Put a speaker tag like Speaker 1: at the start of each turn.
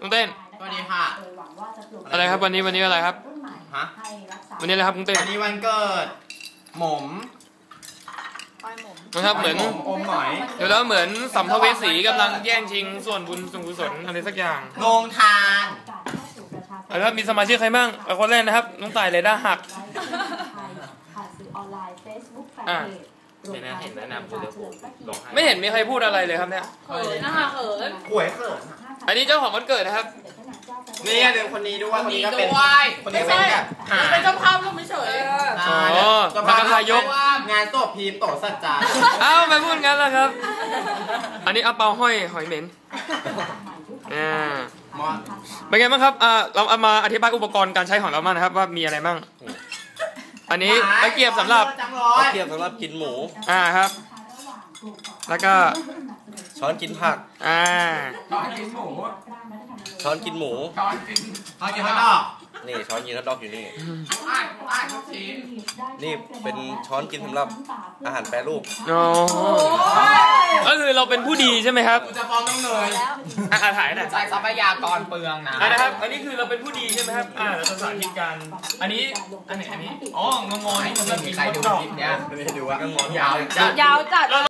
Speaker 1: กุ้งเต้น
Speaker 2: สวัสดีค่ะ
Speaker 1: อะไรครับวันนี้อะไรครับ
Speaker 2: ฮะ
Speaker 1: วันนี้อะไรครับกุ้งเต้น
Speaker 2: วันนี้วันเกิดหม่อม
Speaker 1: นะครับเหมือน
Speaker 2: อมหมอย
Speaker 1: เดี๋ยวแล้วเหมือนสัมภเวสีกำลังแย่งชิงส่วนบุญส่วนกุศลอะไรสักอย่าง
Speaker 2: งงทาง
Speaker 1: แล้วมีสมาชิกใครบ้างคนแรกนะครับน้องต่ายเลยด้าหักเห็นแนะนำคือไม่เห็นมีใครพูดอะไรเลยครับเนี่ย
Speaker 3: น่าเขิน
Speaker 2: ป่วยเขิน
Speaker 1: อันนี้เจ้าของวันเกิดนะครับ
Speaker 2: นี่เดี๋ยวคนนี้ด้วยคนนี้ก็เป็นคนนี้เป็นแบบ
Speaker 3: เป็นเจ้าภาพก็ไม่เฉย
Speaker 1: มันก็ทายก
Speaker 2: งานศพพีมโตสัจจา
Speaker 1: อ้าวไปพูดงั้นแล้วครับอันนี้เอาเปาห้อยหอยเหม็นเป็นไงบ้างครับเราเอามาอธิบายอุปกรณ์การใช้ของเราบ้างนะครับว่ามีอะไรบ้างอันนี้ตะเกียบสำหรับ
Speaker 4: กินหมู
Speaker 1: ครับแล้วก็
Speaker 4: ช้อนกินผัก
Speaker 2: ช้อนกินหมู
Speaker 4: ช้อนกินหมู
Speaker 2: ช้อนกินฮอทดอก
Speaker 4: นี่ช้อนกินฮอทดอกอยู่นี่นี่เป็นช้อนกินสำหรับอาหารแปรรูป
Speaker 1: ก็คือเราเป็นผู้ดีใช่ไหมครับ
Speaker 2: จะฟ้องน้องเนย
Speaker 1: ถ่ายหน่อย
Speaker 2: ใช้ทรัพยากรเปลือง
Speaker 1: นะครับอันนี้คือเราเป็นผู้ดีใช่ไหมครับเราจะสาธิตกันอันนี้อ๋องงนี่มันมีใครดูคลิปเนี้ย
Speaker 2: ดูว่างงยาว
Speaker 3: จัด